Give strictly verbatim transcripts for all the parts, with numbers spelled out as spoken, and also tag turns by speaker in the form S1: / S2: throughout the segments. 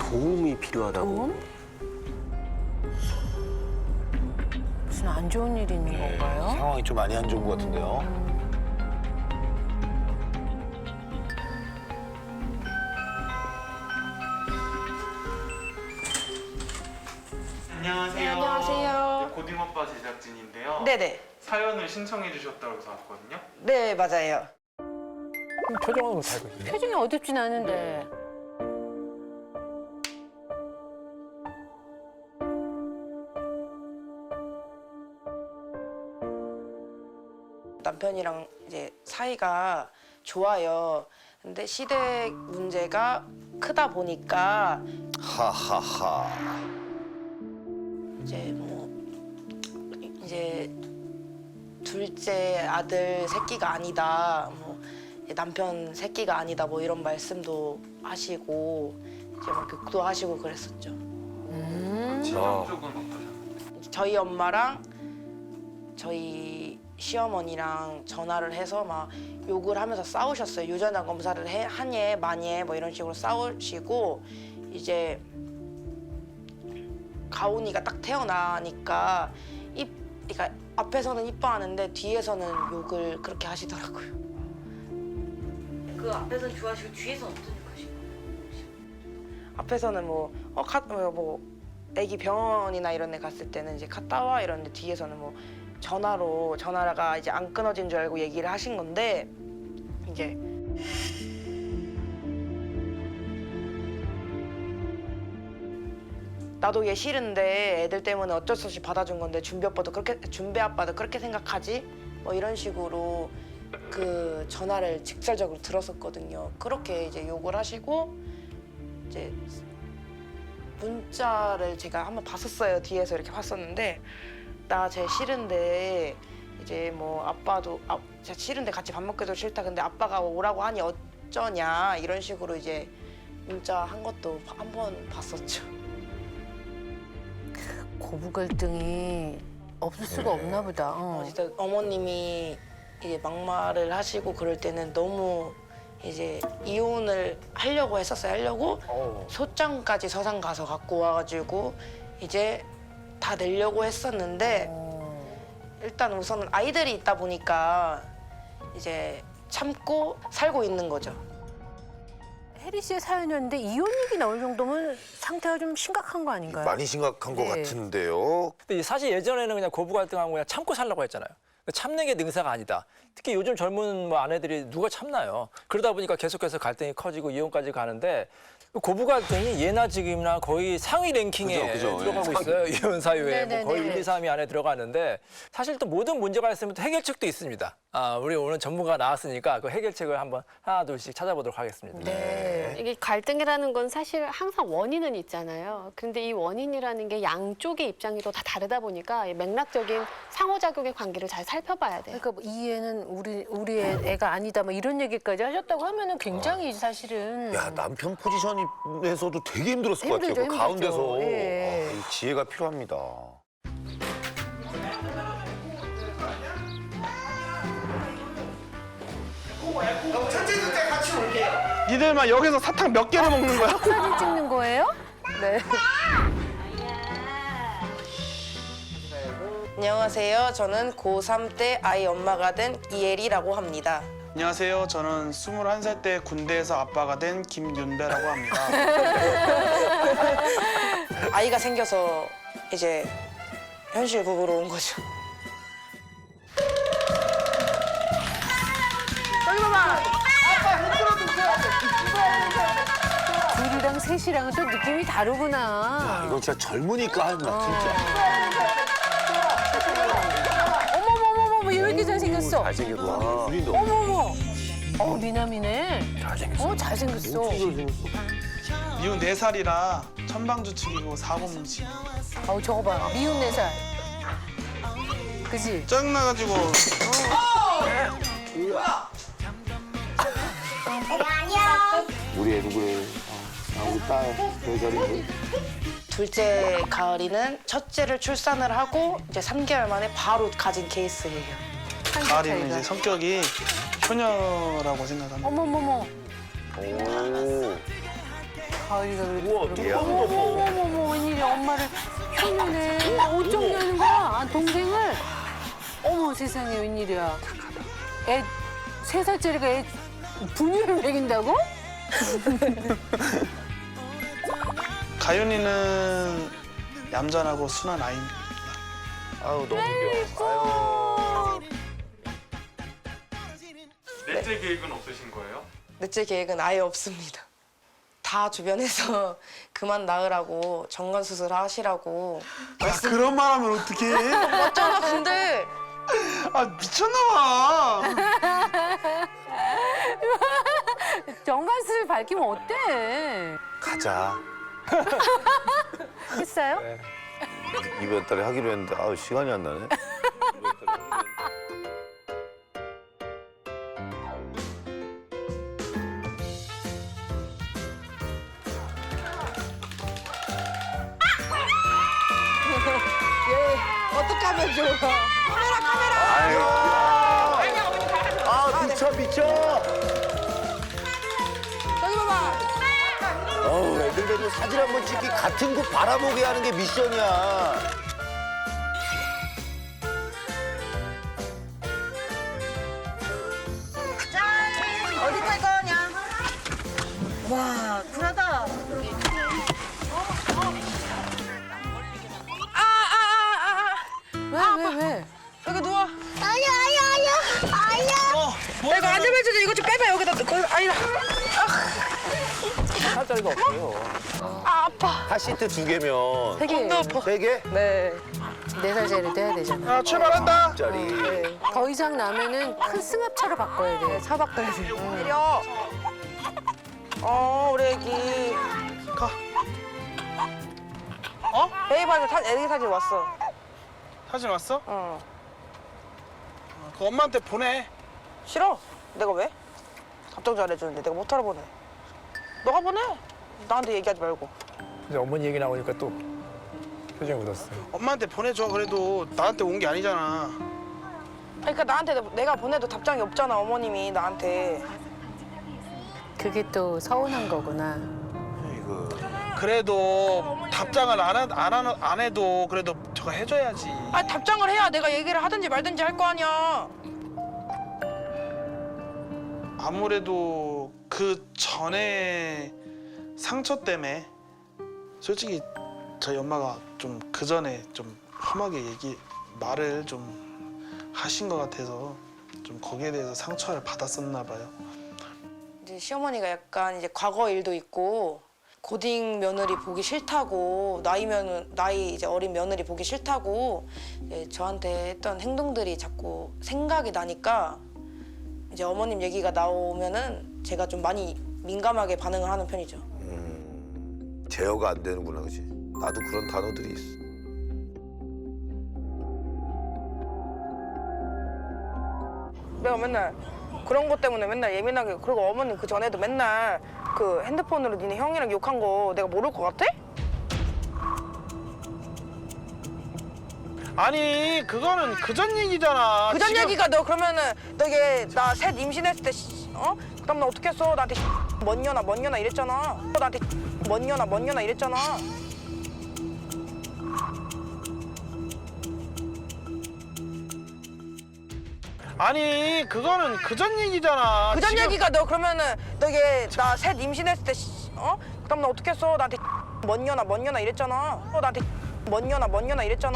S1: 도움이 필요하다고.
S2: 도움? 무슨 안 좋은 일이 있는 건가요?
S3: 상황이 좀 많이 안 좋은 것 같은데요.
S4: 안녕하세요.
S5: 네, 안녕하세요.
S4: 고딩오빠 제작진인데요.
S5: 네네.
S4: 사연을 신청해 주셨다고 해서 왔거든요.
S5: 네, 맞아요.
S3: 표정은 못 알고 있는데.
S2: 표정이 어둡진 않은데.
S5: 남편이랑 이제 사이가 좋아요. 근데 시댁 문제가 크다 보니까
S3: 하하하.
S5: 이제 뭐 이제 둘째 아들 새끼가 아니다. 뭐 남편 새끼가 아니다. 뭐 이런 말씀도 하시고 이제 막 욕도 하시고 그랬었죠.
S2: 음.
S4: 친정 쪽은 어떠셨나요?
S5: 저희 엄마랑 저희 시어머니랑 전화를 해서 막 욕을 하면서 싸우셨어요. 유전자 검사를 해, 하니 많이 해, 뭐 이런 식으로 싸우시고 이제 가온이가 딱 태어나니까 이, 그러니까 앞에서는 이뻐하는데 뒤에서는 욕을 그렇게 하시더라고요. 그 앞에서는 좋아하시고 뒤에서는 어떤 욕 하시고? 앞에서는 뭐 어, 가, 뭐 애기 병원이나 이런 데 갔을 때는 이제 갔다 와 이러는데 뒤에서는 뭐 전화로 전화가 이제 안 끊어진 줄 알고 얘기를 하신 건데 이제 나도 얘 싫은데 애들 때문에 어쩔 수 없이 받아준 건데 준비 아빠도 그렇게 준비 아빠도 그렇게 생각하지? 뭐 이런 식으로 그 전화를 직설적으로 들었었거든요. 그렇게 이제 욕을 하시고 이제 문자를 제가 한번 봤었어요. 뒤에서 이렇게 봤었는데 나 쟤 싫은데 이제 뭐 아빠도 아, 쟤 싫은데 같이 밥 먹기도 싫다. 근데 아빠가 오라고 하니 어쩌냐 이런 식으로 이제 문자 한 것도 한 번 봤었죠.
S2: 고부 갈등이 없을 수가 없나 보다.
S5: 어,
S2: 어.
S5: 진짜 어머님이 이제 막말을 하시고 그럴 때는 너무 이제 이혼을 하려고 했었어요. 하려고
S3: 어.
S5: 소장까지 서산 가서 갖고 와가지고 이제 다 내려고 했었는데
S2: 어.
S5: 일단 우선은 아이들이 있다 보니까 이제 참고 살고 있는 거죠.
S2: 혜리 씨의 사연이었는데 이혼 얘기 나올 정도면 상태가 좀 심각한 거 아닌가요?
S3: 많이 심각한 것
S2: 네.
S3: 같은데요.
S6: 근데 사실 예전에는 그냥 고부 갈등하고 그냥 참고 살라고 했잖아요. 참는 게 능사가 아니다. 특히 요즘 젊은 뭐 아내들이 누가 참나요? 그러다 보니까 계속해서 갈등이 커지고 이혼까지 가는데 고부 갈등이 예나 지금이나 거의 상위 랭킹에
S3: 그죠, 그죠.
S6: 들어가고
S3: 예.
S6: 있어요. 이혼 사유에 뭐 거의
S2: 네네네.
S6: 일, 이, 삼 위 안에 들어가는데 사실 또 모든 문제가 있으면 또 해결책도 있습니다. 아, 우리 오늘 전문가 나왔으니까 그 해결책을 한번 하나 둘씩 찾아보도록 하겠습니다.
S2: 네.
S7: 이게 갈등이라는 건 사실 항상 원인은 있잖아요. 그런데 이 원인이라는 게 양쪽의 입장이 또 다 다르다 보니까 이 맥락적인 상호작용의 관계를 잘 살펴봐야 돼요.
S2: 그러니까 뭐이 애는 우리 우리 애, 애가 아니다. 뭐 이런 얘기까지 하셨다고 하면은 굉장히 사실은.
S3: 야, 남편 포지션에서도 되게 힘들었을 것
S2: 힘들죠,
S3: 같아요. 그
S2: 힘들죠.
S3: 가운데서.
S2: 예.
S3: 아, 이 지혜가 필요합니다.
S8: 니들만 여기서 사탕 몇 개를 먹는 거야?
S2: 사진 찍는 거예요? 네.
S5: 안녕하세요. 저는 고삼 때 아이 엄마가 된 이혜리라고 합니다.
S8: 안녕하세요. 저는 스물한 살 때 군대에서 아빠가 된 김윤배라고 합니다.
S5: 아이가 생겨서 이제 현실 부부로 온 거죠. 여기 봐봐.
S2: 둘이랑 셋이랑은 또 느낌이 다르구나.
S3: 아, 이건 진짜 젊으니까 하는 거 진짜.
S2: 어머머머머, 왜 이렇게 잘생겼어?
S3: 잘생겼다. 둘인데
S2: 어머머. 어, 미남이네.
S3: 잘생겼어.
S2: 어, 잘생겼어.
S8: 미운 네 살이라 천방지축이고 사고뭉치.
S2: 어우, 저거 봐. 미운 네 살. 그지?
S8: 짜증나가지고
S3: 우리 애 누구예요? 아, 우리 딸 별자리.
S5: 둘째 가을이는 첫째를 출산을 하고 이제 삼 개월 만에 바로 가진 케이스예요.
S8: 가을이는 이제 성격이 효녀라고 생각합니다.
S2: 어머머머.
S3: 오.
S2: 가을이가 그래.
S3: 우와, 뚜껑도 덮어.
S2: 어머머머, 웬일이야. 엄마를 효녀네. 어쩜 여는 거야? 아, 동생을? 어머, 세상에, 웬일이야. 애, 세 살짜리가 애 분유를 먹인다고?
S8: 가윤이는 얌전하고 순한 아이입니다.
S3: 아유, 너무 귀여워.
S4: 넷째 계획은 없으신 거예요?
S5: 넷째 계획은 아예 없습니다. 다 주변에서 그만 낳으라고 정관 수술 하시라고.
S8: 야, 그런 말 하면 어떡해?
S5: 맞잖아, 근데.
S8: 아, 미쳤나 봐.
S2: 정관수를 밝히면 어때?
S3: 가자.
S2: 했어요?
S3: 이번 달에 하기로 했는데 아우 시간이 안 나네. 이번 달에 하기로 했는데.
S5: 어떻게 하면 좋아?
S3: 아유. 아 미쳐 미쳐.
S5: 저기 봐봐.
S3: 어우 애들 데리고 사진 한 번 찍기 같은 곳 바라보게 하는 게 미션이야.
S5: 어디 갈 거냐? 와, 쿨하다. 아, 아, 아, 아.
S2: 왜, 왜, 왜?
S5: 여기 누워. 아야, 아야, 아야, 아야.
S8: 어, 뭐
S5: 내가 안 잡아줘도 이거 좀 빼봐, 여기다. 거기, 아니다.
S6: 살짜리가 없어요.
S5: 아, 아파.
S3: 카시트 두 개면
S2: 세 개.
S3: 세 개?
S5: 네.
S2: 네 살짜리도 해야 되잖아.
S8: 야, 출발한다.
S3: 짜리.
S2: 더 이상 나면은 큰 승합차로 바꿔야 돼. 차 바꿔야 돼.
S5: 내려. 어, 우리 애기.
S8: 가.
S5: 어? 베이바한테 사, 애기 사진 왔어.
S8: 사진 왔어?
S5: 어.
S8: 그 엄마한테 보내.
S5: 싫어. 내가 왜? 답장 잘해주는데 내가 못하러 보내. 너가 보내. 나한테 얘기하지 말고.
S6: 이제 어머니 얘기 나오니까 또 표정이 묻었어요.
S8: 엄마한테 보내줘. 그래도 나한테 온 게 아니잖아.
S5: 그러니까 나한테 내가 보내도 답장이 없잖아, 어머님이 나한테.
S2: 그게 또 서운한 거구나.
S3: 이거
S8: 그래도 답장을 안, 하, 안, 하는, 안 해도 그래도 저거 해줘야지.
S5: 아, 답장을 해야 내가 얘기를 하든지 말든지 할 거 아니야.
S8: 아무래도 그 전에 상처 때문에 솔직히 저희 엄마가 좀 그 전에 좀 험하게 얘기 말을 좀 하신 것 같아서 좀 거기에 대해서 상처를 받았었나 봐요.
S5: 이제 시어머니가 약간 이제 과거 일도 있고 고딩 며느리 보기 싫다고 나이 면 나이 이제 어린 며느리 보기 싫다고 이제 저한테 했던 행동들이 자꾸 생각이 나니까 이제 어머님 얘기가 나오면은 제가 좀 많이 민감하게 반응을 하는 편이죠.
S3: 음, 제어가 안 되는구나, 그렇지? 나도 그런 단어들이 있어.
S5: 내가 맨날 그런 것 때문에 맨날 예민하게 그리고 어머님 그 전에도 맨날 그 핸드폰으로 니네 형이랑 욕한 거 내가 모를 것 같아?
S8: 아니 그거는 그전 얘기잖아.
S5: 그전
S8: 지금-
S5: 얘기가 너 그러면은 너 이게 나 셋 임신했을 때 씨, 어? 그다음 나 어떻게 했어? 나한테 뭔 년아 뭔 년아 이랬잖아. 나한테 뭔 년아 뭔 년아 이랬잖아.
S8: 아니 그거는 그전 얘기잖아.
S5: 그전
S8: 지금-
S5: 얘기가 너 그러면은 너 이게 나 셋 임신했을 때 씨, 어? 그다음 나 어떻게 했어? 나한테 뭔 년아 뭔 년아 이랬잖아. 나한테 뭔 년아 뭔 년아 이랬잖아.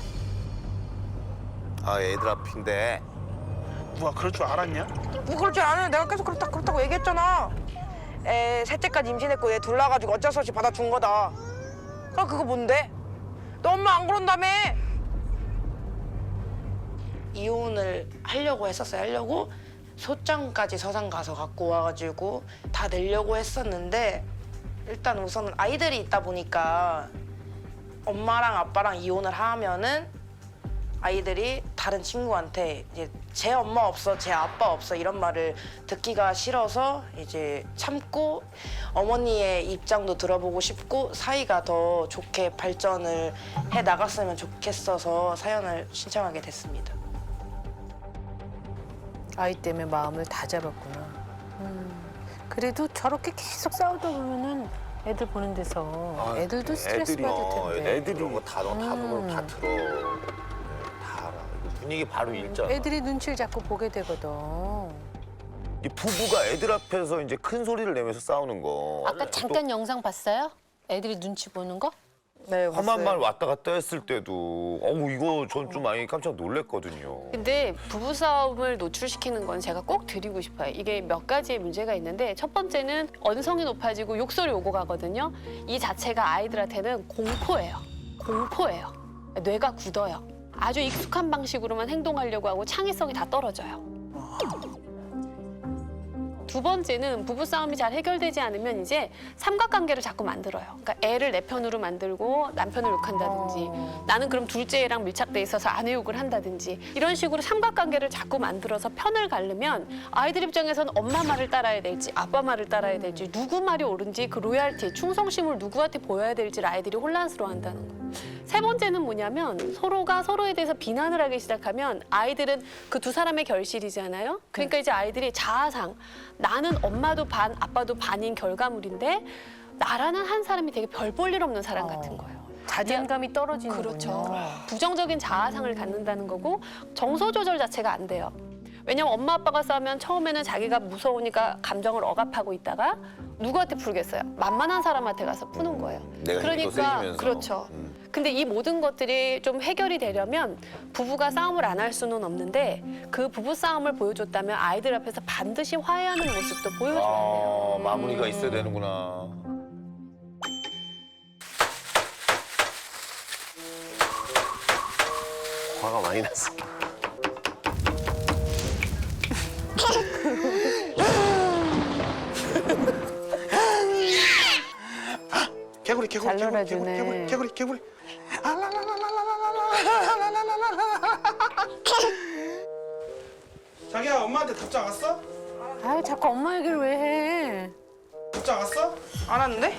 S3: 아, 애들 앞인데.
S8: 누가 그럴 줄 알았냐?
S5: 뭐 그럴 줄 아는 내가 계속 그렇다 그렇다고 얘기했잖아. 애 셋째까지 임신했고 얘 둘 낳아가지고 어쩔 수 없이 받아준 거다. 그럼 그거 뭔데? 너 엄마 안 그런다며? 이혼을 하려고 했었어요. 하려고 소장까지 서산 가서 갖고 와가지고 다 내려고 했었는데 일단 우선은 아이들이 있다 보니까 엄마랑 아빠랑 이혼을 하면은 아이들이 다른 친구한테 이제 제 엄마 없어, 제 아빠 없어 이런 말을 듣기가 싫어서 이제 참고 어머니의 입장도 들어보고 싶고 사이가 더 좋게 발전을 해 나갔으면 좋겠어서 사연을 신청하게 됐습니다.
S2: 아이 때문에 마음을 다 잡았구나. 음, 그래도 저렇게 계속 싸우다 보면은 애들 보는 데서 애들도 스트레스
S3: 애들이,
S2: 받을
S3: 어,
S2: 텐데.
S3: 애들이 이런 거다 너 다 보고 다 들어. 네, 다 알아. 이거 분위기 바로 읽잖아.
S2: 애들이 눈치를 자꾸 보게 되거든.
S3: 이 부부가 애들 앞에서 이제 큰 소리를 내면서 싸우는 거.
S2: 아까 잠깐 영상 봤어요? 애들이 눈치 보는 거?
S5: 네,
S3: 험한
S5: 봤어요.
S3: 말 왔다 갔다 했을 때도 어우 이거 전 좀 많이 깜짝 놀랐거든요.
S7: 근데 부부싸움을 노출시키는 건 제가 꼭 드리고 싶어요. 이게 몇 가지의 문제가 있는데 첫 번째는 언성이 높아지고 욕설이 오고 가거든요. 이 자체가 아이들한테는 공포예요. 공포예요. 뇌가 굳어요. 아주 익숙한 방식으로만 행동하려고 하고 창의성이 다 떨어져요. 두 번째는 부부싸움이 잘 해결되지 않으면 이제 삼각관계를 자꾸 만들어요. 그러니까 애를 내 편으로 만들고 남편을 욕한다든지 나는 그럼 둘째 애랑 밀착돼 있어서 아내 욕을 한다든지 이런 식으로 삼각관계를 자꾸 만들어서 편을 가르면 아이들 입장에서는 엄마 말을 따라야 될지 아빠 말을 따라야 될지 누구 말이 옳은지 그 로얄티, 충성심을 누구한테 보여야 될지를 아이들이 혼란스러워한다는 거예요. 세 번째는 뭐냐면 서로가 서로에 대해서 비난을 하기 시작하면 아이들은 그 두 사람의 결실이잖아요. 그러니까 이제 아이들이 자아상 나는 엄마도 반, 아빠도 반인 결과물인데 나라는 한 사람이 되게 별 볼 일 없는 사람 같은 거예요.
S2: 자존감이 떨어지는
S7: 그렇죠. 부정적인 자아상을 갖는다는 거고 정서 조절 자체가 안 돼요. 왜냐면 엄마 아빠가 싸우면 처음에는 자기가 무서우니까 감정을 억압하고 있다가 누구한테 풀겠어요? 만만한 사람한테 가서 푸는 거예요.
S3: 내가 힘이 더
S7: 그러니까
S3: 세지면서.
S7: 그렇죠.
S3: 음.
S7: 근데 이 모든 것들이 좀 해결이 되려면 부부가 싸움을 안 할 수는 없는데 그 부부 싸움을 보여줬다면 아이들 앞에서 반드시 화해하는 모습도 보여줘야 돼요.
S3: 아 마무리가 있어야 되는구나. 화가 많이 났어.
S8: 개구리 개구리
S2: 잘
S8: 개구리
S2: 놀아주네.
S8: 개구리 개구리 개구리. 자기야 엄마한테 답장 왔어?
S2: 아유 자꾸 엄마 얘기를 왜 해?
S8: 답장 왔어?
S5: 안 왔는데?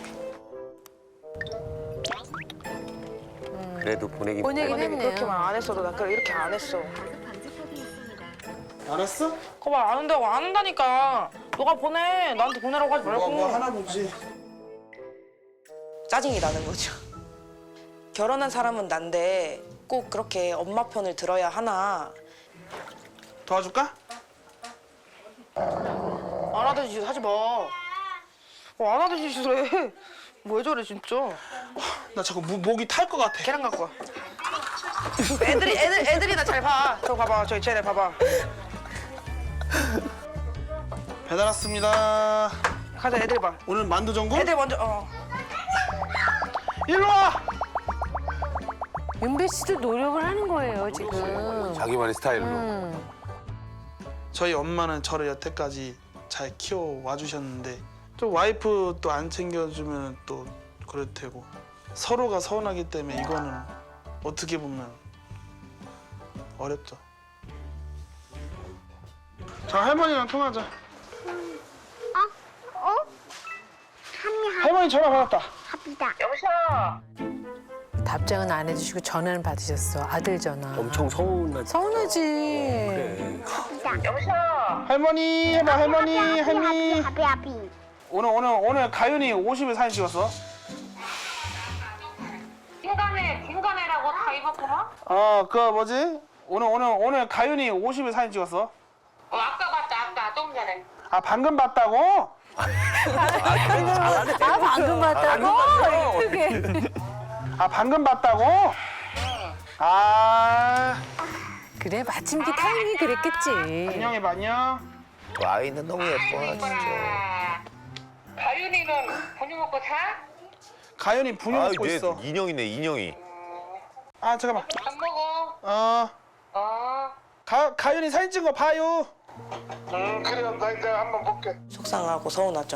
S3: 그래도 보내긴
S2: 보내긴
S3: 보내.
S2: 했네요.
S5: 그렇게만 안 했어도 나 그래 이렇게 안 했어.
S8: 알았어?
S5: 그거 말 안 한다고 안 한다니까. 너가 보내. 나한테 보내라고 하지 말고.
S8: 뭐, 뭐 하나 보지.
S5: 짜증이 나는 거죠. 결혼한 사람은 난데 꼭 그렇게 엄마 편을 들어야 하나.
S8: 도와줄까?
S5: 안 하던 짓 하지 마. 어, 안 하던 짓을 해. 뭐 왜 저래 진짜.
S8: 나 자꾸 무, 목이 탈 것 같아.
S5: 계란 갖고 와. 애들이 애들 애들이 나 잘 봐. 저 봐봐. 저기 쟤네 봐봐.
S8: 배달 왔습니다.
S5: 가자 애들 봐.
S8: 오늘 만두 전골?
S5: 애들 먼저 어.
S8: 일로 와.
S2: 윤배 씨도 노력을 하는 거예요 지금.
S3: 자기만의 스타일로.
S2: 음.
S8: 저희 엄마는 저를 여태까지 잘 키워와 주셨는데 또 와이프 또 안 챙겨주면 또 그럴 테고 서로가 서운하기 때문에 이거는 어떻게 보면 어렵죠. 자 할머니랑 통화하자.
S1: 어? 어?
S8: 할머니 전화 받았다.
S2: 답장은 안 해주시고 전화는 받으셨어. 아들 전화.
S9: 엄청 서운하지.
S2: 서운하지.
S8: 할머니 해봐 할머니 할머니.
S1: 하비 하비.
S8: 오늘 오늘 오늘 가윤이 오십 일 사진 찍었어.
S1: 중간에 중간에라고 다 입었구나?
S8: 어 그 뭐지? 오늘 오늘 오늘 가윤이 오십 일 사진 찍었어.
S1: 어 아까 봤다 아까 좀 전에.
S8: 아 방금 봤다고?
S2: 아 방금 봤다고? 크게.
S8: 아 방금 봤다고? 아
S2: 그래 마침 그 타이밍이 그랬겠지.
S8: 안녕해봐 안녕.
S3: 그 아이는 너무 예뻐 진짜.
S1: 가윤이는 분유 먹고 자?
S8: 가연이 분유
S3: 아
S8: 먹고
S3: 이제
S8: 있어.
S3: 인형이네 인형이.
S8: 아 잠깐만.
S1: 안 먹어.
S8: 어
S1: 어.
S8: 가 가연이 사진 찍은 거 봐요.
S1: 응 그래 나 이제 한번 볼게.
S5: 속상하고 서운하죠.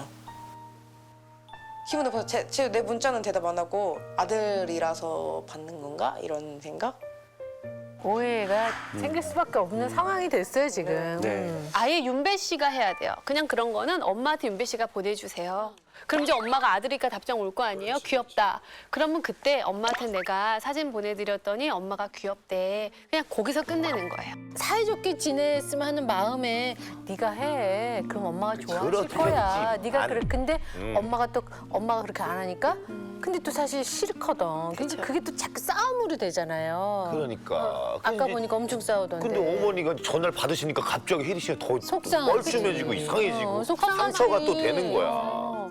S5: 기분 나빠서 제, 제, 내 문자는 대답 안 하고 아들이라서 받는 건가? 이런 생각?
S2: 오해가 생길 수밖에 없는 상황이 됐어요 지금.
S9: 네.
S2: 음.
S7: 아예 윤배 씨가 해야 돼요. 그냥 그런 거는 엄마한테 윤배 씨가 보내주세요. 그럼 이제 엄마가 아들이니까 답장 올 거 아니에요? 귀엽다. 그러면 그때 엄마한테 내가 사진 보내드렸더니 엄마가 귀엽대. 그냥 거기서 끝내는 거예요.
S2: 사이좋게 지냈으면 하는 마음에 네가 해. 그럼 엄마가 좋아하실
S3: 그렇겠지.
S2: 거야. 네가
S3: 안-
S2: 그래. 근데
S3: 음.
S2: 엄마가 또 엄마가 그렇게 안 하니까. 근데 또 사실 싫거든. 근데
S7: 그쵸.
S2: 그게 또 자꾸 싸움으로 되잖아요.
S3: 그러니까.
S2: 아까
S3: 근데-
S2: 보니까 엄청 싸우던데.
S3: 근데 어머니가 전화를 받으시니까 갑자기 혜리 씨가 더
S2: 속상하지.
S3: 뻘쭘해지고 이상해지고
S2: 어, 속상하지.
S3: 상처가 또 되는 거야.
S2: 어.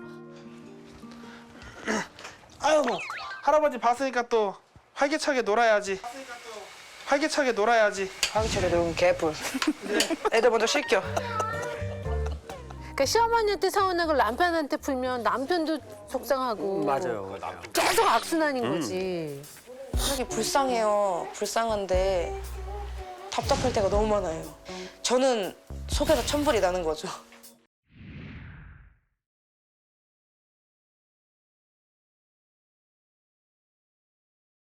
S8: 아이고 할아버지 봤으니까 또 활기차게 놀아야지. 활기차게 놀아야지.
S5: 황철에 놓은 개뿔. 애들 먼저 씻겨.
S2: 그러니까 시어머니한테 서운한 걸 남편한테 풀면 남편도 속상하고.
S6: 맞아요.
S2: 계속 악순환인 거지.
S5: 되게 불쌍해요. 불쌍한데 답답할 때가 너무 많아요. 저는 속에서 천불이 나는 거죠.